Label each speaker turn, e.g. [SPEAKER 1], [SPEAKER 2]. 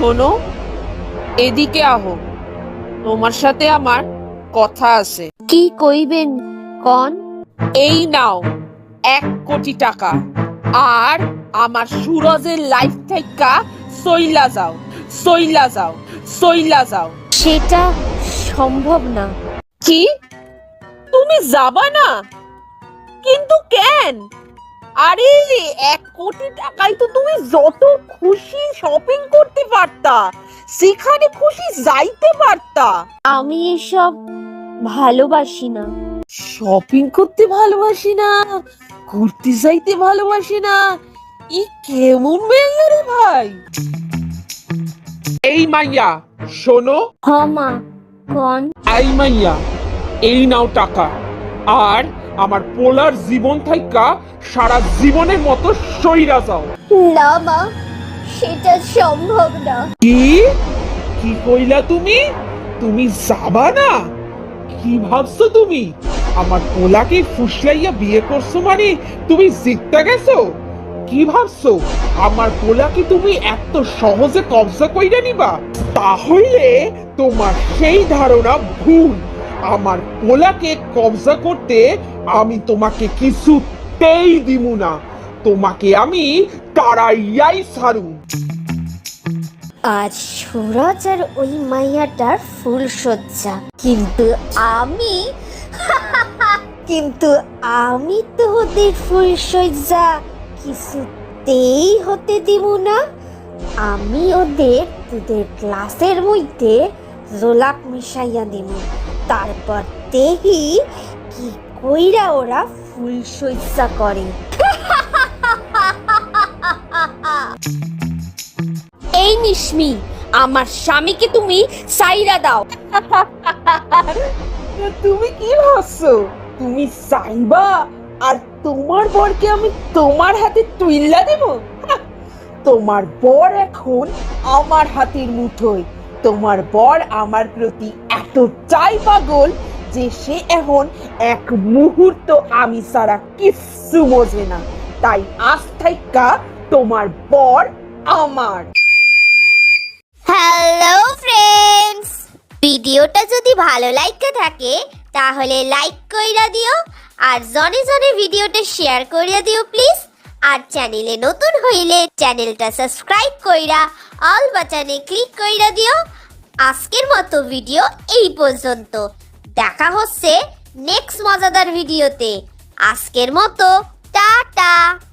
[SPEAKER 1] শোনো, এদিকে আহো, তোমার সাথে আমার কথা আছে।
[SPEAKER 2] কি কইবেন কন?
[SPEAKER 1] এই নাও 1 কোটি টাকা, আর আমার সুরজের লাইফ থেকে সইলা যাও, সইলা যাও, সইলা যাও।
[SPEAKER 2] সেটা সম্ভব না।
[SPEAKER 1] কি? তুমি যাবা না? কিন্তু কেন? আরে 1 কোটি টাকায় তো তুমি যত খুশি শপিং করতে পারতা, সেখানে খুশি যাইতে পারতা।
[SPEAKER 2] আমি এসব ভালোবাসি না।
[SPEAKER 1] শপিং করতে ভালোবাসি না, ঘুরতে যাইতে ভালোবাসি না, ই কেমন মেয়ে রে ভাই? এই মাইয়া শোনো,
[SPEAKER 2] হ মা, কন?
[SPEAKER 1] এই মাইয়া, এই নাও টাকা, আর আমার পোলার জীবন থাইকা সারা জীবনের মতো সইরা যাও।
[SPEAKER 2] না মা, সেটা সম্ভব না।
[SPEAKER 1] কি কি কইলা তুমি? তুমি যাবা না? কি ভাবছো তুমি? আমার পোলাকে ফুসলাইয়া বিয়ে করছো মানে তুমি জিততে গেছো? কি ভাবছো আমার পোলাকে তুমি এত সহজে কবজা কইরা নিবা? তাহলে তোমার সেই ধারণা ভুল। আমার পোলাকে কবজা করতে আমি তোমাকে কিছুতেই দিমু না। তোমাকে আমি তাড়াইয়াই ছাড়ু।
[SPEAKER 2] আজ সুরজ আর ওই মাইয়াটার ফুল সজ্জা, কিন্তু আমি কিন্তু আমি তো ওদের ফুল সজ্জা কিছুতেই হতে দিব না। আমি ওদের দুধের গ্লাসের মধ্যে জোলাপ মিশাইয়া দিব, তারপর দেখি কি কইরা ওরা ফুল সজ্জা করে। এই নিশমি, আমার স্বামীকে তুমি সাইরা দাও।
[SPEAKER 1] তুমি কি ভাবছো তুমি চাইবা আর তোমার বরকে আমি তোমার হাতে তুইল্লা দেব? তোমার বর এখন আমার হাতের মুঠোয়। তোমার বর আমার প্রতি এতটাই পাগল যে সে এখন এক মুহূর্ত আমি ছাড়া কিচ্ছু বোঝে না। তাই আজ থাইকা তোমার বর আমার।
[SPEAKER 2] হ্যালো ফ্রেন্ডস, ভিডিওটা যদি ভালো লাগে থাকে তাহলে লাইক কইরা দিও, আর জনে জনে ভিডিওটা শেয়ার কইরা দিও প্লিজ। আর চ্যানেলে নতুন হইলে চ্যানেলটা সাবস্ক্রাইব কইরা অল বাটনে ক্লিক কইরা দিও। আজকের মতো ভিডিও এই পর্যন্ত, দেখা হচ্ছে নেক্সট মজাদার ভিডিওতে। আজকের মতো টাটা।